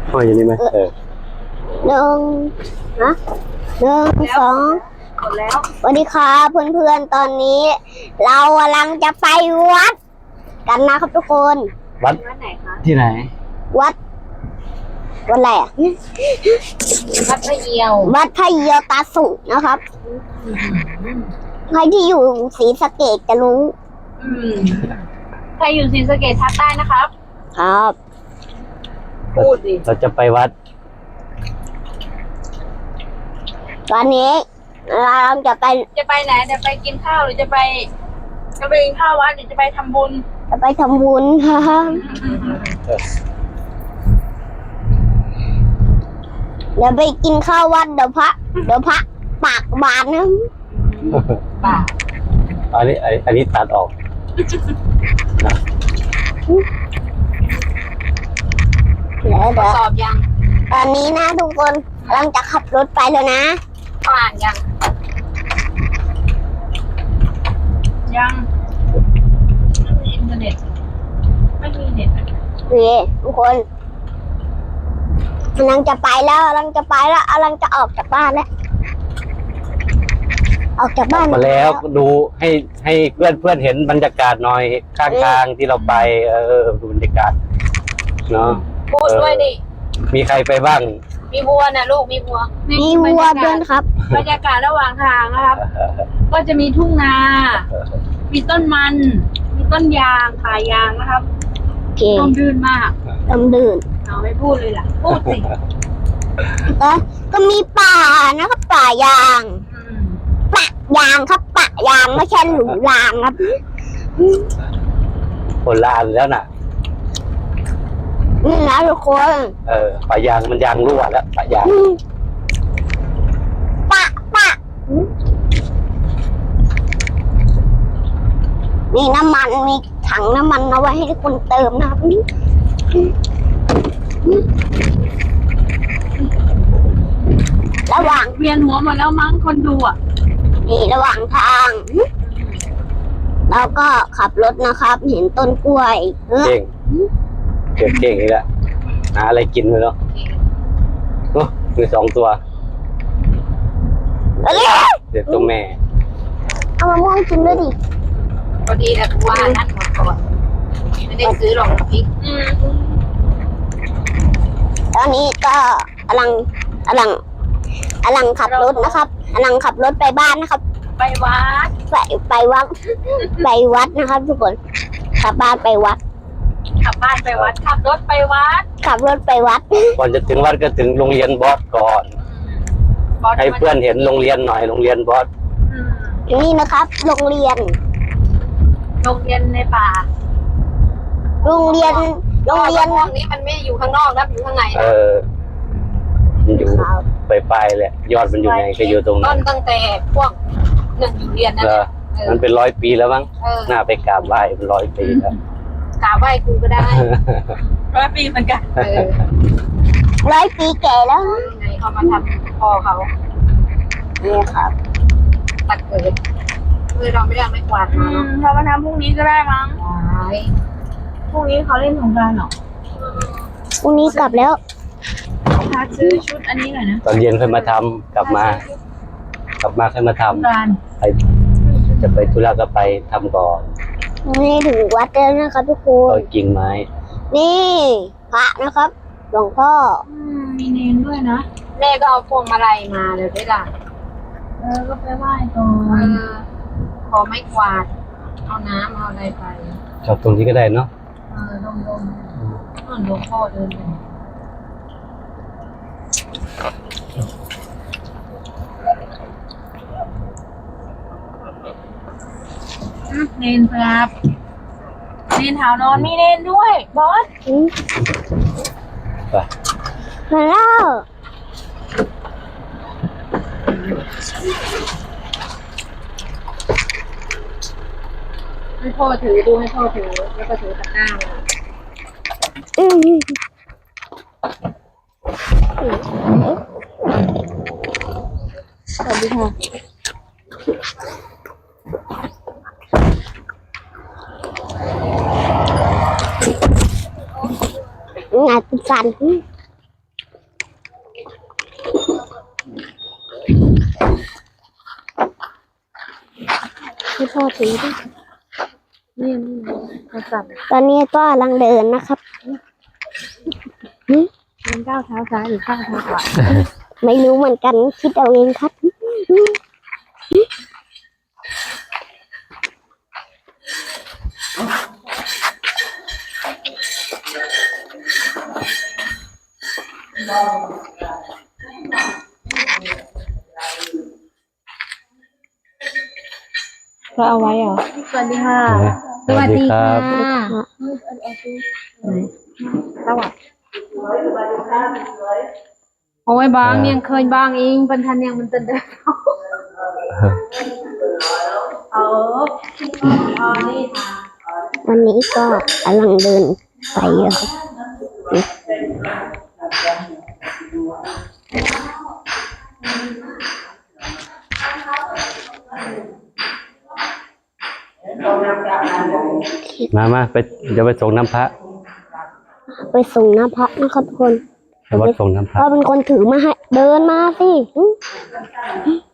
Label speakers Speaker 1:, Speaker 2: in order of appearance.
Speaker 1: ห้อยอยู่นี่ไหม
Speaker 2: หนึ่งนะหนึ่งสอง
Speaker 3: หมดแล้ว
Speaker 2: สวัสดีครับเพื่อนๆตอนนี้ เรากำลังจะไปวัดกันนะครับทุกคน
Speaker 1: วัด
Speaker 3: วัดไหนคะ
Speaker 1: ที่ไหน
Speaker 2: วัดอะไรอ่ะ
Speaker 3: วัดพระเยียว
Speaker 2: วัดพระเยียวตาสุนะครับใครที่อยู่ศรีสะเกษจะรู้
Speaker 3: ใครอยู่ศรีสะเกษทักได้นะครับ
Speaker 2: ครับ
Speaker 3: พูดดิ
Speaker 1: เราจะไปวัด
Speaker 2: ตอนนี้เราจะไป
Speaker 3: จะไปไหนจะไปกินข้าวหรือจะไปกินข้าววัดหรือจะไปทำบุญ
Speaker 2: ทำบุญครับเดี๋ยวไปกินข้าววัดเดี๋ยวพระปากบานนะ
Speaker 3: ป่า
Speaker 1: อันนี้ตัดออกนะ
Speaker 2: เดี๋ยว
Speaker 3: สอบยัง
Speaker 2: ตอนนี้นะทุกคนกำลังจะขับรถไปแล้วนะ
Speaker 3: อ่านยังไม่มีอินเทอร์เน็ตไม่มีเน็ต
Speaker 2: โอเคทุกคนกำลังจะไปแล้วกำลังจะออกจากบ้านแล้วออกจากบ้าน
Speaker 1: มาแล้วดูให้เพื่อนเห็นบรรยากาศหน่อยข้างทางที่เราไปดูบรรยากาศเนาะ
Speaker 3: พูดด้วยดิ
Speaker 1: มีใครไปบ้าง
Speaker 3: มีวัวนะลูกมีวัว
Speaker 2: มีวัวด้วยครับ
Speaker 3: บรรยากาศระหว่างทางนะครับ ก็จะมีทุ่งนา มีต้นมัน มีต้นยางป่ายางนะครับ
Speaker 2: โอเค
Speaker 3: ร่มรื่นมาก
Speaker 2: ลำดื่น
Speaker 3: เอาไม่พูดเลยล่ะ พูดสิ
Speaker 2: ก็มีป่านะครับป่ายางปะยางครับปะยางไม่ใช่หลุมรางครับ
Speaker 1: คนละอันแล้วน่ะ
Speaker 2: นี่นะทุกคน
Speaker 1: ปะยางมันยางรั่วแล้วปะยาง
Speaker 2: ปะนี่น้ำมันมีถังน้ำมันเอาไว้ให้ทุกคนเติมนะครับระหว่าง
Speaker 3: เวียนหัวหมดแล้วมั้งคนดูอ่ะ
Speaker 2: นี่ระหว่างทางเราก็ขับรถนะครับ เห็นต้นกล้วย
Speaker 1: เก่งเก่งอีกแล้วหาอะไรกินไปแล้วโอ้มี2 ตัว
Speaker 2: เอ้ย
Speaker 1: เด็กตัวแม่
Speaker 2: เอามะม่วงกินด้วยดิ
Speaker 3: พอดีแต่กูว่านั่นหมดก่อนไม่ได้ซื้อหรอกน้ำพริก
Speaker 2: ตอนนี้ก็กำลังขับรถนะครับกำลังขับรถไปบ้านนะครับ
Speaker 3: ไปวัด
Speaker 2: ไปวัดนะครับ ทุกคนขับบ้านไปวัด
Speaker 3: ขับบ้านไปวัด ขับรถไปวัด
Speaker 2: ขับรถไปวัด
Speaker 1: ก่อนจะถึงวัดก็ถึงโรงเรียนบอสก่อน ให้เพื่อนเห็นโรงเรียนหน่อยโรงเรียนบอส
Speaker 2: นี่นะครับ โรงเรียน
Speaker 3: ในป่า
Speaker 2: โรงเรียน
Speaker 3: พวกนี้มันไม่อยู่ข้างนอกนะอยู่ข้างในนะ
Speaker 1: มันอยู่ปลายแหละยอดมันอยู่ไหนก็อยู่ตรง
Speaker 3: ต้
Speaker 1: นั้น น
Speaker 3: ตั้งแต่พวกหนึ่งอยู่เรียนนั่นแหละ
Speaker 1: มันเป็น100 ปีแล้วมั้งน่าไปกราบไหว้เป็น100 ปีแล้ว
Speaker 3: กราบไหว้กูก็ได้100 ปีเหมือนกัน
Speaker 2: 100 ปีแก่แล้ว
Speaker 3: ไงเขามาทำพ่อเขา
Speaker 2: นี่ครับ
Speaker 3: ตัดเกิดคือเราไม่ได้ไม่กวาดมาเรามาทำพรุ่งนี้ก็ได้มั้งพรุ่งนี้เขาเล่นสงกรานต์หรอ
Speaker 2: พรุ่งนี้กลับแล้ว
Speaker 3: พาซื้อชุดอันนี้หน่อยนะ
Speaker 1: ตอนเย็นค่อยมาทำกลับมาค่อยมาทำไปจะไปธุระก็ไปทำก่อน
Speaker 2: นี่ถึงวัดแล้วนะครับทุกคน
Speaker 1: ก็กิ่งไม้
Speaker 2: นี่พระนะครับ หลวงพ่อ
Speaker 3: มีเนนด้วยนะแม่ก็เอาพวงมาลัยมาเดี๋ยวได้ด่าก็ไปไหว้ก่อนขอไม่กวาดเอาน้ำเอาอะไรไป
Speaker 1: จอดตรงนี้ก็ได้เนาะ
Speaker 3: ลงหลวงพ่อเดินไปเนนครับเนนหาวนอนมีเนนด้วยบอส
Speaker 1: ไป
Speaker 2: มาแล้ว
Speaker 3: ให้พ่อถือดูให้พ่อถือแล้วก็ถือตะกร้ามา
Speaker 2: สวัสดีค่ะงานฟัน
Speaker 3: ให้พ่อถือดินี่โทรศัพท์
Speaker 2: ตอนนี้ก็กำลังเดินนะครับ
Speaker 3: มันก้าวเท้าซ้ายหรือก้าวเท้าขวา
Speaker 2: ไม่รู้เหมือนกันคิดเอาเองครับ
Speaker 3: เราเอาไว้เหรอสวัสดีค่ะ
Speaker 1: สวัสดีครับ
Speaker 3: สวัสดีโอ้ยบางยังเคยบางเองบรรทันยังมันเต้นได้นี่ค่ะ
Speaker 2: วันนี้ก็กำลังเดินไปอะครับ
Speaker 1: มาไปเดี๋ยวไปส่งน้ำพระ
Speaker 2: ไปส่งน้ำพระนะครับทุกคน
Speaker 1: ไปวัดส่งน้ำพระ
Speaker 2: ก็เป็นคนถือมาให้เดินมาสิ